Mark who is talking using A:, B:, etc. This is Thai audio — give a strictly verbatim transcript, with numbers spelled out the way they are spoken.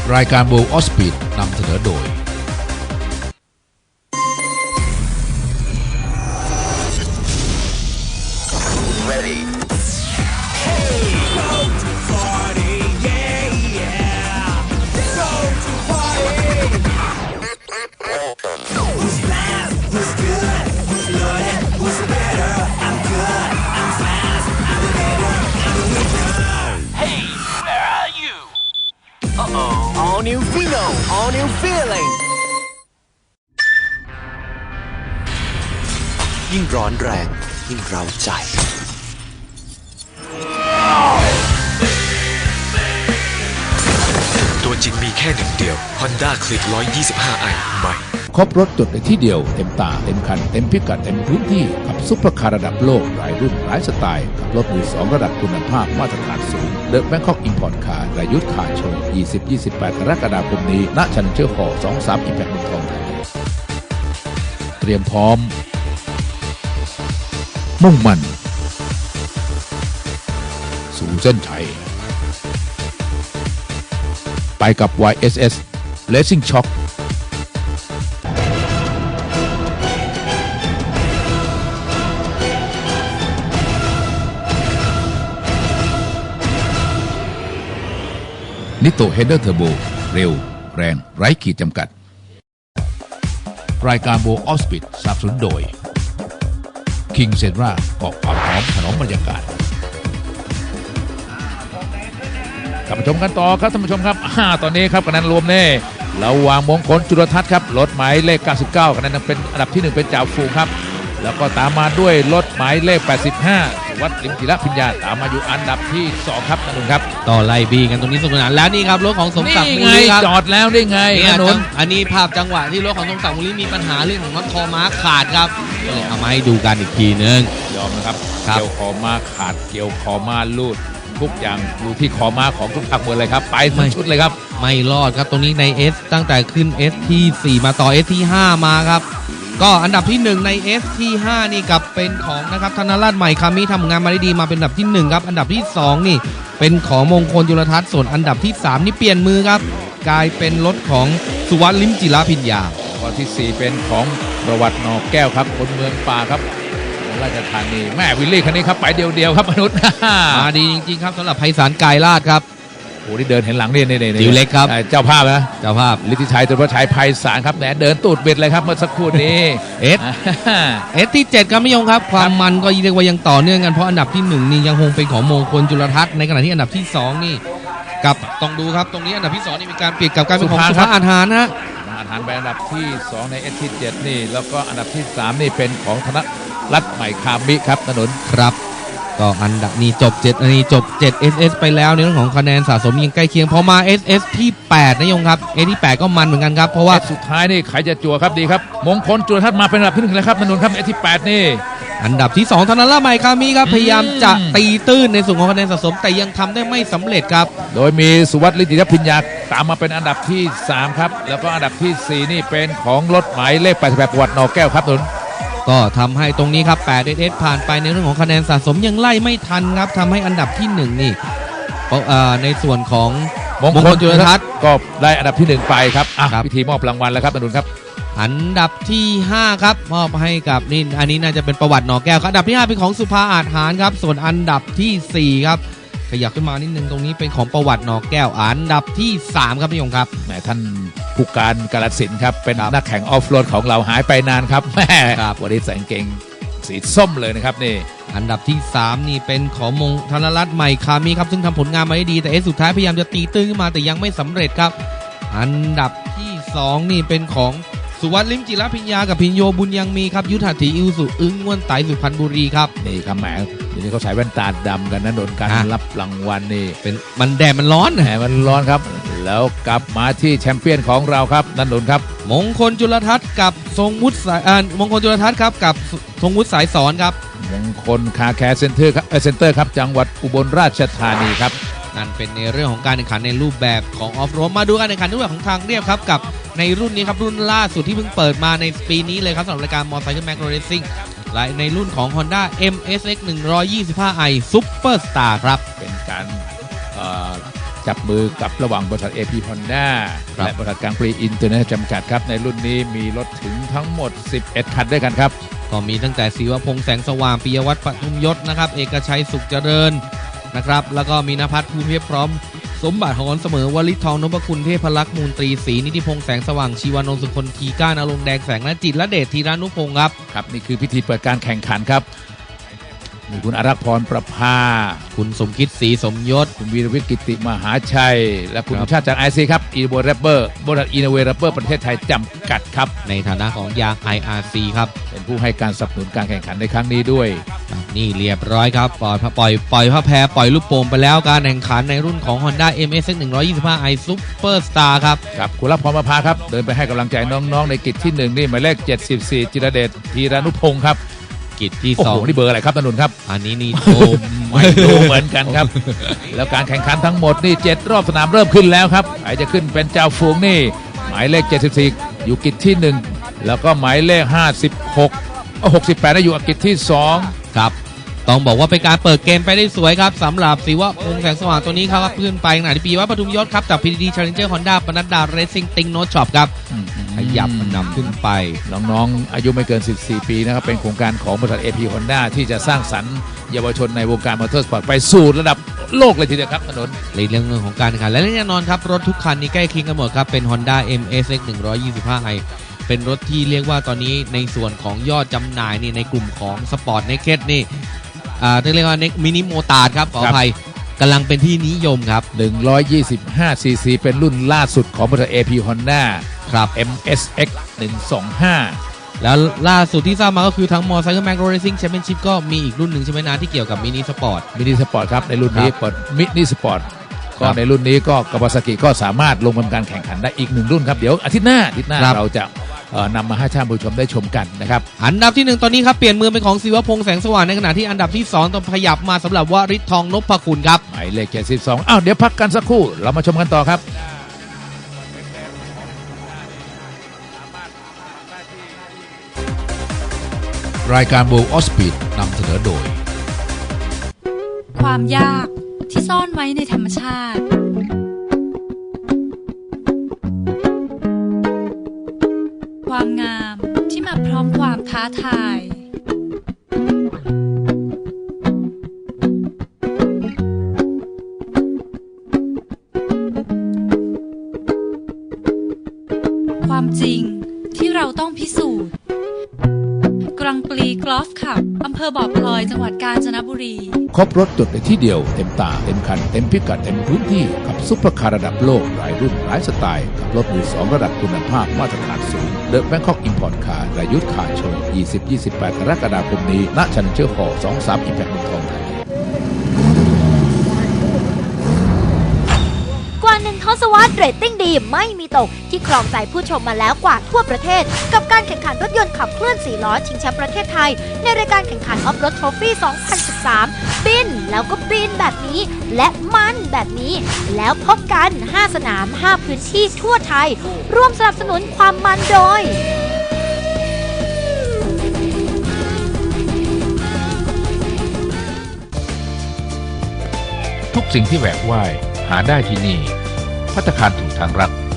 A: รายการ World of Speed นำเสนอโดย
B: All new Fino, all new feeling
C: ยิ่งร้อนแรงยิ่งเร้าใจตัวจริงมีแค่หนึ่งเดียว Honda Click หนึ่งร้อยยี่สิบห้า ไอ ใหม่
A: ครบรถจดในที่เดียวเต็มตาเต็มคันเต็มพิกัดเต็มพื้นที่กับซุปเปอร์คาร์ระดับโลกหลายรุ่นหลายสไตล์กับรถมือสองระดับคุณภาพมาตรฐานสูง The Bangkok Import Car รายุทธคาร์โชว์ ยี่สิบ ยี่สิบแปด กรกฎาคมนี้ณ Challenger Hall สองสาม Impact เมืองทองธานีเตรียมพร้อมมุ่งมั่นสู่เส้นชัยไปกับ วาย เอส เอส Racing Shockนิโตเฮดเดอร์เทอร์โบเร็วแรงไร้ขีดจำกัดรายการ World of Speed สนับสนุนโดย King Senra เกาะความหอมถนอมบรรยากาศกลับมาชมกันต่อครับท่านผู้ชมครับตอนนี้ครับคะแนนรวมเน่ระหว่างมงคลจุลทัศน์ครับรถหมายเลขเก้าสิบเก้าคะแนนเป็นอันดับที่หนึ่งเป็นจ่าฝูงครับแล้วก็ตามมาด้วยรถหมายเลขแปดสิบห้าวัดลิมจิระพิญญาตามมาอยู่อันดับที่สองครับท่านผู้ชมครับ
D: ต่อไล่บีกันตรงนี้สนุกสนานแล้วนี่ครับรถของสมศักดิ์มูลครับ
A: จอดแล้วได้ไง
D: ถนนอันนี้ภาพจังหวะที่รถของสมศักดิ์มูลมีปัญหาเรื่องของน็อตคอม้าขาดครับเลยเอามาให้ดูกันอีกทีนึง
A: ยอมนะครับเกี่ยวคอม้าขาดเกี่ยวคอม้าลูดทุกอย่างอยู่ที่คอม้าของทุกภาคหมดเลยครับไปทั้งชุดเลยครับ
D: ไม่รอดครับตรงนี้ใน S ตั้งแต่ขึ้น S ที่สี่มาต่อ S ที่ห้ามาครับก็อันดับที่หนึ่งใน S ที่ห้านี่กับเป็นของนะครับธนราชใหม่คามิทำงานมาได้ดีมาเป็นอันดับที่หนึ่งครับอันดับที่สองนี่เป็นของมงคลจุลทัศน์ส่วนอันดับที่สามนี่เปลี่ยนมือครับกลายเป็นรถของสุวัสดิ์ลิมจิระพิญญา
A: ข้อที่สี่เป็นของประวัตินอกแก้วครับคนเมืองป่าครับราชธานีแม่วิลลี่คันนี้ครับไปเดียวๆครับมนุษย์
D: มาดีจริงๆครับสำหรับไพศาลกายราชครับ
A: โอ้ที่เดินเห็นหลังนี่นี่นี่
D: จิ๋วเล็กครับ
A: เจ้าภาพนะ
D: เจ้าภาพ
A: ฤทธิชัยตุลชัยไพศาลครับแหนเดินตูดเบ็ดเลยครับเมื่อสักครู่นี้
D: เอสเอสที่เจ็ดครับไม่ยงครับความมันก็เรียกว่ายังต่อเนื่องกันเพราะอันดับที่หนึ่งนี่ยังคงเป็นของมงคลจุลทัศน์ในขณะที่อันดับที่สองนี่กับต้องดูครับตรงนี้อันดับที่สองนี่มีการเปลี่ยนกับการเป็นของสุภาอาหารนะ
A: อาหารไปอันดับที่สองในเอสที่เจ็ดนี่แล้วก็อันดับที่สามนี่เป็นของธนรัตน์ใหม่คามิครับถนน
D: ครับก็อันดับนี้จบเจ็ดอันนี้จบเจ็ด เอส เอส ไปแล้วในเรื่องของคะแนนสะสมยังใกล้เคียงพอมา เอส เอส ที่แปดนะยงครับ เอ ที่แปดก็มันเหมือนกันครับเพราะว่า
A: สุดท้ายนี่ใครจะจั่วครับดีครับมงคลจุลทัศน์มาเป็นอันดับที่หนึ่งเลยครับถนนครับ เอ ที่แปดนี่
D: อันดับที่สองธนราชใหม่คามิครับพยายามจะตีตื้นในส่วนของคะแนนสะสมแต่ยังทำได้ไม่สำเร็จครับ
A: โดยมีสุวัสดิ์ลิมจิระพิญญาตามมาเป็นอันดับที่สามครับแล้วก็อันดับที่สี่นี่เป็นของรถหมายเลขแปดสิบแปดประวัตินอกแก้วครับถนน
D: ก็ทำให้ตรงนี้ครับแปด เอส เอส ผ่านไปในเรื่องของคะแนนสะสมยังไล่ไม่ทันครับทำให้อันดับที่หนึ่งนี่ในส่วนของ
A: มงคลจุลทัศน์ก็ได้อันดับที่หนึ่งไปครับพิธีมอบรางวัลแล้วครับถนนครับ
D: อันดับที่ห้าครับมอบให้กับนี่อันนี้น่าจะเป็นประวัติหนอแก้วครับอันดับที่ห้าเป็นของสุภาอาจหารครับส่วนอันดับที่สี่ครับขยับขึ้นมานิดนึงตรงนี้เป็นของประวัติหนอแก้วอันดับที่สามครับพี่ยงครับ
A: แหมท่านผู้การกาฬสินธุ์ครับเป็นนักแข่งออฟโรดของเราหายไปนานครับแม่วันนี้ใส่กางเกงสีส้มเลยนะครับนี่
D: อันดับที่สามนี่เป็นของมงธนรัตน์ใหม่คามิครับซึ่งทำผลงานมาได้ดีแต่เอสสุดท้ายพยายามจะตีตื้นขึ้นมาแต่ยังไม่สำเร็จครับอันดับที่สองนี่เป็นของสุวัสดิ์ลิมจิระพิญญากับพิญโยบุญยังมีครับยุทธาถีอิวสุอึ้งง่วนไตสุพรรณบุรีครับ
A: นี่ครับแหมเดี๋ยวนี้เขาใส่แว่นตาดำกันนะโดนการรับรางวัลนี่
D: เป็นมันแดดมันร้อน
A: แหมมันร้อนครับแล้วกลับมาที่แชมเปี้ยนของเราครับนันนนครับ
D: มงคลจุลทัศน์กับทรงวุฒิสายมงคลจุลทัศน์ครับกับทรงวุฒิสายสอนครับ
A: มงคลคาแคร์เซ็นเตอร์ครับเซ็นเตอร์ครับจังหวัดอุบลราชธานีครับ
D: นั่นเป็นในเรื่องของการแข่งขันในรูปแบบของออฟโรดมาดูการแข่งขันในรูปแบบของทางเรียบครับกับในรุ่นนี้ครับรุ่นล่าสุดที่เพิ่งเปิดมาในปีนี้เลยครับสำหรับรายการ Motorcycle Macro Racing และในรุ่นของ Honda เอ็ม เอส เอ็กซ์ หนึ่งร้อยยี่สิบห้า ไอ Superstar ครับ
A: เป็นการ จจับมือกับระหว่างบริษัท เอ พี Honda
D: ครับ
A: และบริษัทกลางปรีอินเตอร์เนชั่นแนลจำกัดครับในรุ่นนี้มีรถถึงทั้งหมดสิบเอ็ดคันด้วยกันครับ
D: ก็มีตั้งแต่ศิวพงษ์แสงสว่างปิยวัฒน์ปทุมยศนะครับเอกชัยสุขเจริญนะครับแล้วก็มีนภัทรภูมิเพียบพร้อมสมบัติหอนเสมอวลิตทองนพคุณเทพลักษณ์มูลตรีศรีนิติพงษ์แสงสว่างชีวานนท์สุคนทีก้านรงค์แดงแสงและจิตรและเดชธีรานุพงศ์ครับ
A: ครับนี่คือพิธีเปิดการแข่งขันครับมีคุณอารักษ์พรประภา
D: คุณสมคิดศรีสมยศ
A: คุณวีรวิทย์กิติมหาชัย และคุณ
D: ครับ
A: ชาติจากไอซีครับอีโวแรปเปอร์บริษัทอีโนเวแรปเปอร์ประเทศไทยจำกัดครับ
D: ในฐานะของยาง ไอ อาร์ ซี ครับ
A: เป็นผู้ให้การสนับสนุนการแข่งขันในครั้งนี้ด้วย
D: นี่เรียบร้อยครับปล่อยปล่อยปล่อยผ้าแพรปล่อยลูกโป่งไปแล้วการแข่งขันในรุ่นของ Honda เอ็ม เอส เอ็กซ์ หนึ่งร้อยยี่สิบห้า i Superstar ครับ
A: ครับคุณรับพรประภาครับเดินไปให้กำลังใจน้องๆในกิจที่หนึ่งนี่หมายเลขเจ็ดสิบสี่จิรเดชธีรานุพงศ์ครับ
D: กิจที่
A: โอ้
D: สอ
A: โห
D: ง
A: นี่เบอร์อะไรครับตนุนครับ
D: อันนี้นี่โอม
A: ไม่รู้เหมือนกันครับ แล้วการแข่งขันทั้งหมดนี่เจ็ดรอบสนามเริ่มขึ้นแล้วครับใครจะขึ้นเป็นเจ้าฝูงนี่หมายเลขเจ็ดสิบสี่อยู่กิจที่หนึ่งแล้วก็หมายเลขห้าสิบหกเอ้าหกสิบแปดได้อยู่กิจที่สอง
D: ครับต้องบอกว่าเป็นการเปิดเกมไปได้สวยครับสำหรับศิวพงษ์แสงสว่างตัวนี้ครับขึ้นไปขณะที่ปีวัฒน์ปทุมยศครับจาก พี ที ดี Challenger Honda ปนัดดา Racing ติงโนช็อปครับขยับมันนำขึ้นไป
A: น้องๆอายุไม่เกินสิบสี่ปีนะครับเป็นโครงการของบริษัท เอ พี Honda ที่จะสร้างสรรค์เยาวชนในวงการมอเตอร์สปอร์ตไปสู่ระดับโลกเลยทีเดียวครับถนน
D: ในเรื่องของการแข่งขันและแน่นอนครับรถทุกคันนี้ใกล้เคียงกันหมดครับเป็น Honda เอ็ม เอส เอ็กซ์ หนึ่งร้อยยี่สิบห้า i เป็นรถที่เรียกว่าตอนนี้ในส่วนของยอดจำหน่ายนี่ในกลุ่มของสปอร์ตเนคเก็ตนี่อ่าเรียกว่าเนมินิโมตาร์ดครับขออภัยกำลังเป็นที่นิยมครับ
A: หนึ่งร้อยยี่สิบห้า ซี ซี เป็นรุ่นล่าสุดของบริษัท เอ พี Honda
D: ครับ
A: เอ็ม เอส เอ็กซ์ หนึ่งสองห้า
D: แล้วล่าสุดที่ทราบมาก็คือทั้ง Motorcycle Mag Racing Championship ก็มีอีกรุ่นหนึ่งใช่ไหมนะที่เกี่ยวกับมินิสปอร์ต
A: มินิสปอร์ตครับในรุ่นนี้
D: ครับ
A: เปิดมินิสปอร์ต
D: ครั
A: ก็
D: บ
A: ในรุ่นนี้ก็กาวาซากิก็สามารถลงทำการแข่งขันได้อีกหนึ่งรุ่นครับเดี๋ยวอาทิตย์หน้าอาทิตย์หน้า
D: ครับ
A: เราจะเอ่อนำมาให้ท่านผู้ชมได้ชมกันนะครับ
D: อันดับที่หนึ่งตอนนี้ครับเปลี่ยนมือเป็นของศิวพงษ์แสงสว่างในขณะที่อันดับที่สองต้องขยับมาสำหรับวริศทองนพคุณครับ
A: หมายเลขเจ็ดสิบสองอ้าวเดี๋ยวพักกันสักครู่เรามาชมกันต่อครับ รายการ World of Speed นำเสนอโดย
E: ความยากที่ซ่อนไว้ในธรรมชาติ ความงามที่มาพร้อมความท้าทาย ความจริงที่เราต้องพิสูจน์กรังปลีกอล์ฟคลับอำเภอบ่อพลอยจังหวัดกาญจนบุรี
A: ครบรถจดในที่เดียวเต็มตาเต็มคันเต็มพิกัดเต็มพื้นที่กับซุปเปอร์คาร์ระดับโลกหลายรุ่นหลายสไตล์กับรถมือสองระดับคุณภาพมาตรฐานสูง The Bangkok Import Car รายุทธคาร์โชว์ ยี่สิบ ยี่สิบแปด กรกฎาคมนี้ณ Challenger Hall สองสาม Impact เมืองทองธานี
F: กว่าหนึ่งทศวรรษเรตติ้งดีไม่มีตกที่ครองใจผู้ชมมาแล้วกว่าทั่วประเทศ กับการแข่งขันรถยนต์ขับเคลื่อนสี่ล้อชิงแชมป์ประเทศไทย ในรายการแข่งขันออฟโรดทรอฟี่ สองพันสิบสาม บินแล้วก็บินแบบนี้ และมันแบบนี้ แล้วพบกัน ห้า สนาม ห้า พื้นที่ทั่วไทย ร่วมสนับสนุนความมันโดย
A: ทุกสิ่งที่แหวกว่ายหาได้ที่นี่ภัตตาคารถูกทางรัก